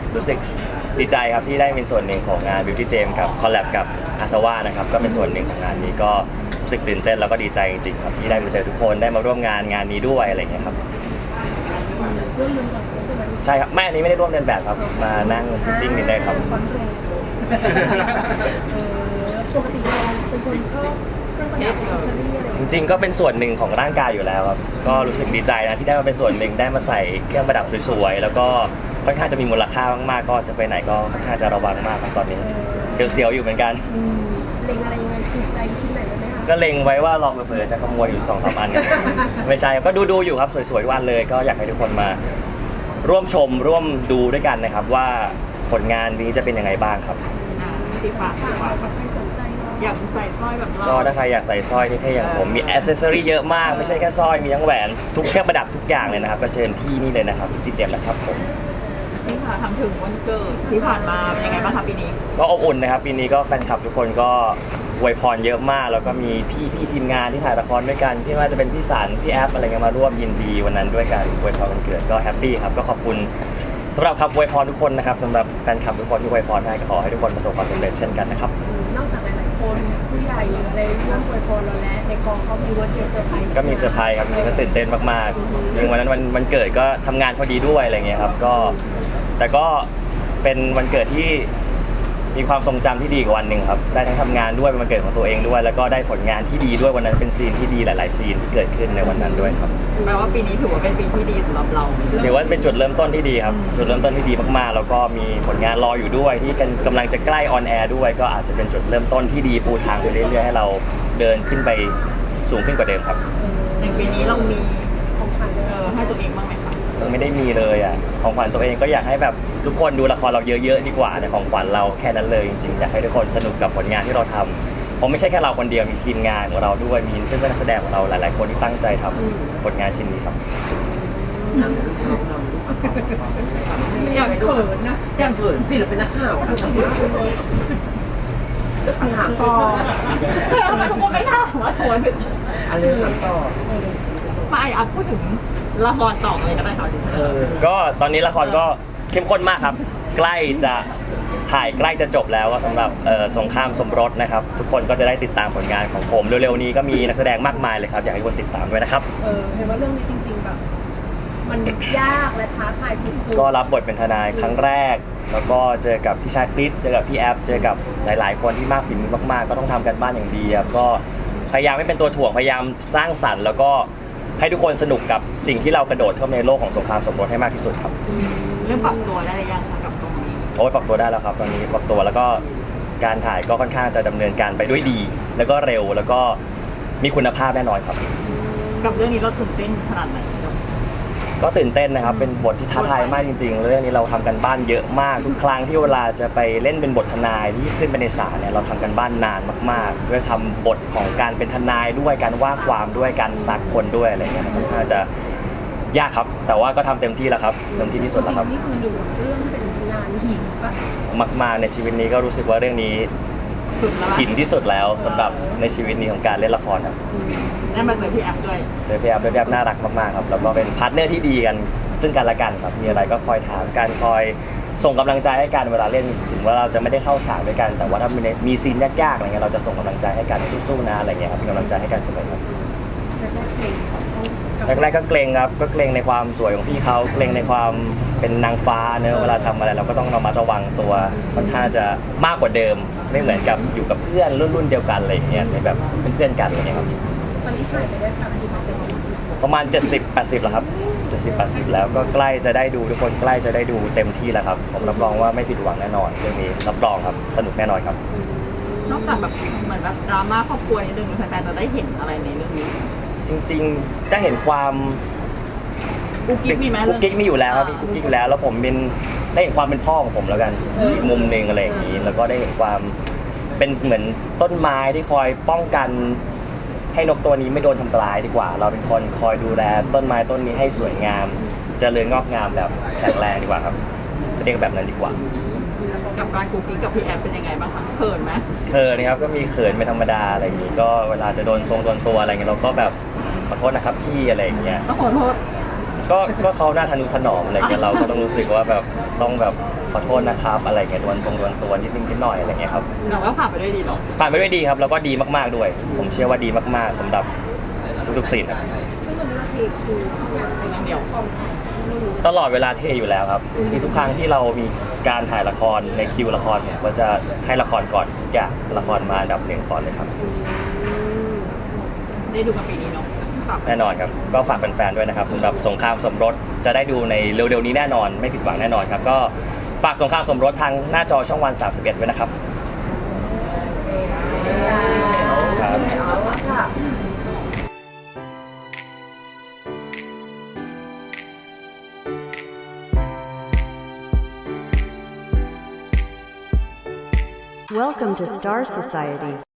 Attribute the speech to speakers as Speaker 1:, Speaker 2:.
Speaker 1: รู้สึกดีใจครับที่ได้เป็นส่วนหนึ่งของงาน Beauty Jam กับคอลแลบกับอาซาวานะครับก็เป็นส่วนหนึ่งของงานนี้ก็รู้สึกตื่นเต้นแล้วก็ดีใจจริงๆครับที่ได้มาเจอทุกคนได้มาร่วมงานนี้ด้วยอะไรอย่างเงี้ยครับใช่ครับไม่อันนี้ไม่ได้ร่วมเดินแบบครับมานั่งซิตติ้งนี่ได้ครับ
Speaker 2: ปกติเราเป็นคนชอบเครื่องประดับอิสรีอะไร
Speaker 1: จริงๆก็เป็นส่วนหนึ่งของร่างกายอยู่แล้วครับก็รู้สึกดีใจนะที่ได้มาเป็นส่วนหนึ่งได้มาใส่เครื่องประดับสวยๆแล้วก็ค่อนข้างจะมีมูลค่ามากๆก็จะไปไหนก็ค่อนข้างจะระวังมากครับตอนนี้เสียวๆอยู่เหมือนกัน
Speaker 2: เล็งอะไรยังไงถูกใจชิ้นไหนไหมคะ
Speaker 1: ก็เล็งไว้ว่าลองเผลอๆจะขโมยอยู่2-3 อันไม่ใช่ก็ดูอยู่ครับสวยๆทุกวันเลยก็อยากให้ทุกคนมาร่วมชมร่วมดูด้วยกันนะครับว่าผลงานนี้จะเป็นยังไงบ้างครับ
Speaker 3: ที่ฝากอยากใส่สร้อยแบบเรา
Speaker 1: ก็ถ้าใครอยากใส่สร้อยเท่ๆอย่างผมมีแอ c เซสซอรี่เยอะมากไม่ใช่แค่สร้อยมีทั้งแหวนทุกเครื่องประดับทุกอย่างเลยนะครับก็เชิญที่นี่เลยนะครับที่เจมส์นะครับผม
Speaker 3: นี่ค่ะทำถึงวันเกิดที่ผ่านมาเป็นยังไงบ้างคะปีนี้
Speaker 1: ก็อบอุ่นนะครับปีนี้ก็แฟนคลับทุกคนก็อวยพรเยอะมากแล้วก็มีพี่ทีมงานที่ถ่ายละครด้วยกันที่ว่าจะเป็นพี่สันพี่แอฟอะไรเงี้ยมาร่วมยินดีวันนั้นด้วยกันอวยพรวันเกิดก็แฮปปี้ครับก็ขอบคุณสำหรับคำอวยพรทุกคนนะครับสำหรับแฟนคลับทุกคนที่อวยพรให้ก็ขอให้ทุกคนประสบความสำเร็จเช่นกันนะครับ
Speaker 2: นอกจากหลายๆคนผู้ใหญ่อะไรร่วมอวยพรเราแล้วในกองก็มีวันเกิดเซอร์ไพรส์
Speaker 1: ก็มีเซอร์ไพรส์ครับจริงก็ตื่นเต้นมากๆจริงวันนั้นวันเกิดก็ทำงานพอดีด้วยอะไรเงี้ยครับก็แต่ก็เป็นวันเกิดที่มีความทรงจำที่ดีกว่าวันหนึ่งครับได้ทั้งทำงานด้วยเป็นวันเกิดของตัวเองด้วยแล้วก็ได้ผลงานที่ดีด้วยวันนั้นเป็นซีนที่ดีหลายๆซีนที่เกิดขึ้นในวันนั้นด้วยครับ
Speaker 3: แปลว่าปีนี้ถือว่าเป็นปีที่ดีสำหรับเรา
Speaker 1: ถือว่าเป็นจุดเริ่มต้นที่ดีครับจุดเริ่มต้นที่ดีมากๆแล้วก็มีผลงานรออยู่ด้วยที่กำลังจะใกล้ออนแอร์ด้วยก็อาจจะเป็นจุดเริ่มต้นที่ดีปูทางไปเรื่อยๆให้เราเดินขึ้นไปสูงขึ้นกว่าเดิมครับ
Speaker 3: ในปีนี้เรามีของขวัญให้ตัวเองบ้างไหมคะ
Speaker 1: ยังไม่ได้มีเลยอ่ะของขวัญตัวเองก็อยากให้แบบทุกคนดูละครเราเยอะๆดีกว่าแต่ของขวัญเราแค่นั้นเลยจริงๆอยากให้ทุกคนสนุกกับผลงานที่เราทำเพราะไม่ใช่แค่เราคนเดียวมีทีมงานของเราด้วยมีเพื่อนๆนักแสดงของเราหลายๆคนที่ตั้งใจทำผลงานชิ้นนี้ครับ
Speaker 3: อย่างเขินนะ
Speaker 4: อย่างเขินสิเราเป็นนักข่าวนะถามต่อ
Speaker 3: ทำไมทุกคนไม่ถามว่าทวน
Speaker 4: อะไรถามต่อ
Speaker 3: มาอ่ะพูดถึงละครต่อเลยก็ได้ค่ะ
Speaker 1: ก็ตอนนี้ละครก็เข้มข้นมากครับใกล้จะถ่ายใกล้จะจบแล้วก็สำหรับสงครามสมรสนะครับทุกคนก็จะได้ติดตามผลงานของผมเร็วๆนี้ก็มีนักแสดงมากมายเลยครับอยากให้คนติดตามด้วยนะครับ
Speaker 2: เห็นว่าเรื่องนี้จริงๆแบบมันยากและท้าทายสุดๆ
Speaker 1: ก็รับบทเป็นทนายครั้งแรกแล้วก็เจอกับพี่ชาคริสเจอกับพี่แอฟเจอกับหลายๆคนที่มากฝีมือมากๆก็ต้องทำกันบ้านอย่างดีครับก็พยายามไม่เป็นตัวถ่วงพยายามสร้างสรรค์แล้วก็ให้ทุกคนสนุกกับสิ่งที่เรากระโดดเข้าในโลกของสงครามสมรสให้มากที่สุดครับ
Speaker 3: เรื่องปรับตัวได้หรือยังคะกับตรงนี้
Speaker 1: โอ้ยปรับตัวได้แล้วครับตอนนี้ปรับตัวแล้วก็การถ่ายก็ค่อนข้างจะดำเนินการไปด้วยดีแล้วก็เร็วแล้วก็มีคุณภาพแน่นอนครับ
Speaker 3: กับเรื่องนี้เราตื่นเต้นขนาดไหน
Speaker 1: ก็ตื่นเต้นนะครับเป็นบทที่ท้าทายมากจริงๆเรื่องนี้เราทำกันบ้านเยอะมากทุกครั้งที่เวลาจะไปเล่นเป็นบททนายที่ขึ้นไปในศาลเนี่ยเราทำกันบ้านนานมากๆด้วยทำบทของการเป็นทนายด้วยการว่าความด้วยการซักคนด้วยอะไรเงี้ยค่อนข้างจะยากครับแต่ว่าก็ทำเต็มที่แล้วครับเต็มที่ที่สุดแล้วครับ
Speaker 2: นี่คุณดูเรื่องเป็นงานหินปะ
Speaker 1: มากๆในชีวิตนี้ก็รู้สึกว่าเรื่องนี้หินที่สุดแล้วสำหรับในชีวิตนี้ของการเล่นละครครับ
Speaker 3: ได้มาเจอพี่แอฟด้วย
Speaker 1: พี่แอฟน่ารักมากๆครับแล้วก็เป็นพาร์ทเนอร์ที่ดีกันซึ่งกันและกันครับมีอะไรก็คอยถามกันคอยส่งกำลังใจให้กันเวลาเล่นถึงว่าเราจะไม่ได้เข้าฉากด้วยกันแต่ว่าถ้ามีซีนยากๆอะไรเงี้ยเราจะส่งกำลังใจให้กันสู้ๆนะอะไรเงี้ยครับมีกำลังใจให้กันเสมอครับแรกๆก็เกรงครับก็เกรงในความสวยของพี่เขาเกรงในความเป็นนางฟ้าเนอะเวลาทำอะไรเราก็ต้องระมัดระวังตัวค่อนข้างจะมากกว่าเดิมไม่เหมือนกับอยู่กับเพื่อนรุ่นเดียวกันอะไรอย่างเงี้ยในแบบเป็นเพื่อนกันอะไรเงี้ยครับ
Speaker 2: ตอนนี้ถ่ายไปได้
Speaker 1: ประมาณ70-80แล้วครับ70-80แล้วก็ใกล้จะได้ดูทุกคนใกล้จะได้ดูเต็มที่แล้วครับผมรับรองว่าไม่ผิดหวังแน่นอนเรื่องนี้รับรองครับสนุกแน่นอนครับ
Speaker 3: นอกจากแบบเหมือนแบบดราม่าครอบครัวนิดนึงแฟนๆจะได้เห็นอะไรในเรื่องนี้
Speaker 1: จริงๆได้เห็นความ
Speaker 3: กุ๊กกิ๊กมีไหม
Speaker 1: กุ๊กกิ๊กมีอยู่แล้วครับมีกุ๊กกิ๊กอยู่แล้วแล้วผมเป็นได้เห็นความเป็นพ่อของผมแล้วกันอีกมุมนึงอะไรอย่างนี้แล้วก็ได้เห็นความเป็นเหมือนต้นไม้ที่คอยป้องกันให้นกตัวนี้ไม่โดนทำลายดีกว่าเราเป็นคนคอยดูแลต้นไม้ต้นนี้ให้สวยงามเจริญงอกงามแบบแข็งแรงดีกว่าครับเรียกแบบนั้นดีกว่า
Speaker 3: กับการกุ๊กกิ๊กกับพี่แอฟเป็นยังไงบ้างคะเขินไหม
Speaker 1: เขินนะครับก็มีเขินเป็นธรรมดาอะไรอย่างนี้ก็เวลาจะโดนตัวอะไรเงี้ยเราก็แบบขอโทษนะครับพี่อะไรอย่างเงี้ย
Speaker 3: ต้องขอโทษ
Speaker 1: ก็เขาหน้าทะนุถนอมอะไรเงี้ยเราก็ต้องรู้สึกว่าแบบต้องแบบขอโทษนะครับอะไรเงี้ยดวนตัวนิดนึงนิดหน่อยอะไรเงี้ยครับ
Speaker 3: เราก็ผ่านไปด้วยดีหรอ
Speaker 1: ผ่านไปด้วยดีครับแล้วก็ดีมากๆด้วย ผมเชื่อว่าดีมากๆสำหรับทุกๆซีนครับ
Speaker 2: ซึ่งวันนี้เราเทคิวอย่างไรเดียวกองถ่ายไม่รู้
Speaker 1: ตลอดเวลาเทอยู่แล้วครับคือทุกครั้งที่เรามีการถ่ายละครในคิวละครผมก็จะให้ละครก่อนทุกอย่างละครมาอันดับหนึ่งก่อนเลยครับ
Speaker 3: ได้ดูกันปีนี้เนาะฝาก
Speaker 1: แน่นอนครับก็ฝากแฟนๆด้วยนะครับสำหรับสงครามสมรสจะได้ดูในเร็วๆนี้แน่นอนไม่ผิดหวังแน่นอนครับก็ฝากสงครามสมรสทางหน้าจอช่องวัน 31ไว้นะครับครับ
Speaker 4: เอาละค่ะ
Speaker 5: Welcome to Star Society.